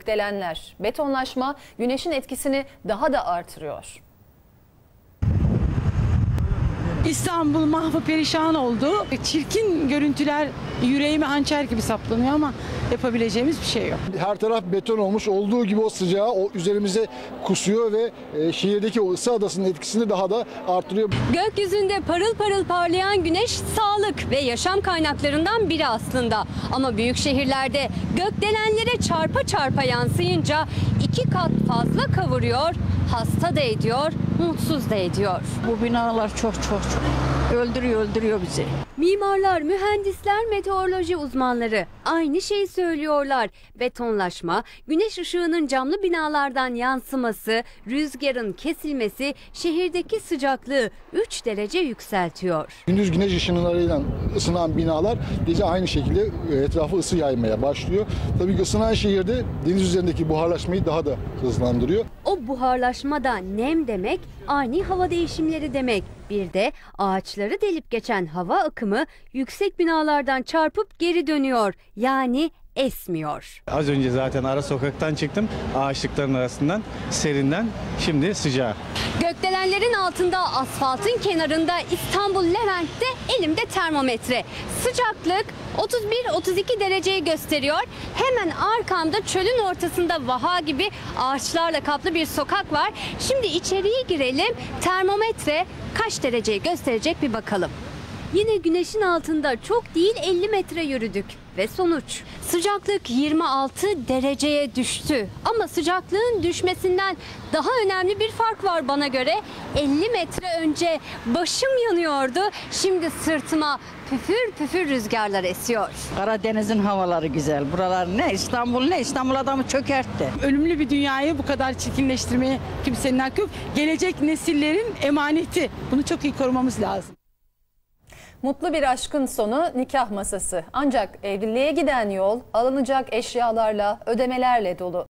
gökdelenler, betonlaşma güneşin etkisini daha da artırıyor. İstanbul mahvı perişan oldu. Çirkin görüntüler yüreğime hançer gibi saplanıyor ama yapabileceğimiz bir şey yok. Her taraf beton olmuş, olduğu gibi o sıcağı o üzerimize kusuyor ve şehirdeki o ısı adasının etkisini daha da artırıyor. Gökyüzünde parıl parıl parlayan güneş sağlık ve yaşam kaynaklarından biri aslında. Ama büyük şehirlerde gökdelenlere çarpa çarpa yansıyınca 2 kat fazla kavuruyor, hasta da ediyor, mutsuz da ediyor. Bu binalar çok öldürüyor bizi. Mimarlar, mühendisler, meteoroloji uzmanları aynı şeyi söylüyorlar. Betonlaşma, güneş ışığının camlı binalardan yansıması, rüzgarın kesilmesi şehirdeki sıcaklığı 3 derece yükseltiyor. Gündüz güneş ışınlarıyla ısınan binalar gece aynı şekilde etrafı ısı yaymaya başlıyor. Tabii ısınan şehirde deniz üzerindeki buharlaşmayı daha da hızlandırıyor. O buharlaşma da nem demek, ani hava değişimleri demek. Bir de ağaçları delip geçen hava akımı yüksek binalardan çarpıp geri dönüyor. Yani esmiyor. Az önce zaten ara sokaktan çıktım. Ağaçlıkların arasından, serinden, şimdi sıcağı. Gökdelenlerin altında, asfaltın kenarında, İstanbul Levent'te elimde termometre. Sıcaklık 31-32 dereceyi gösteriyor. Hemen arkamda çölün ortasında vaha gibi ağaçlarla kaplı bir sokak var. Şimdi içeriye girelim. Termometre kaç dereceyi gösterecek bir bakalım. Yine güneşin altında çok değil 50 metre yürüdük ve sonuç sıcaklık 26 dereceye düştü. Ama sıcaklığın düşmesinden daha önemli bir fark var bana göre. 50 metre önce başım yanıyordu. Şimdi sırtıma püfür püfür rüzgarlar esiyor. Karadeniz'in havaları güzel. Buralar ne? İstanbul adamı çökertti. Ölümlü bir dünyayı bu kadar çirkinleştirmeye kimsenin hakkı yok. Gelecek nesillerin emaneti. Bunu çok iyi korumamız lazım. Mutlu bir aşkın sonu nikah masası. Ancak evliliğe giden yol alınacak eşyalarla, ödemelerle dolu.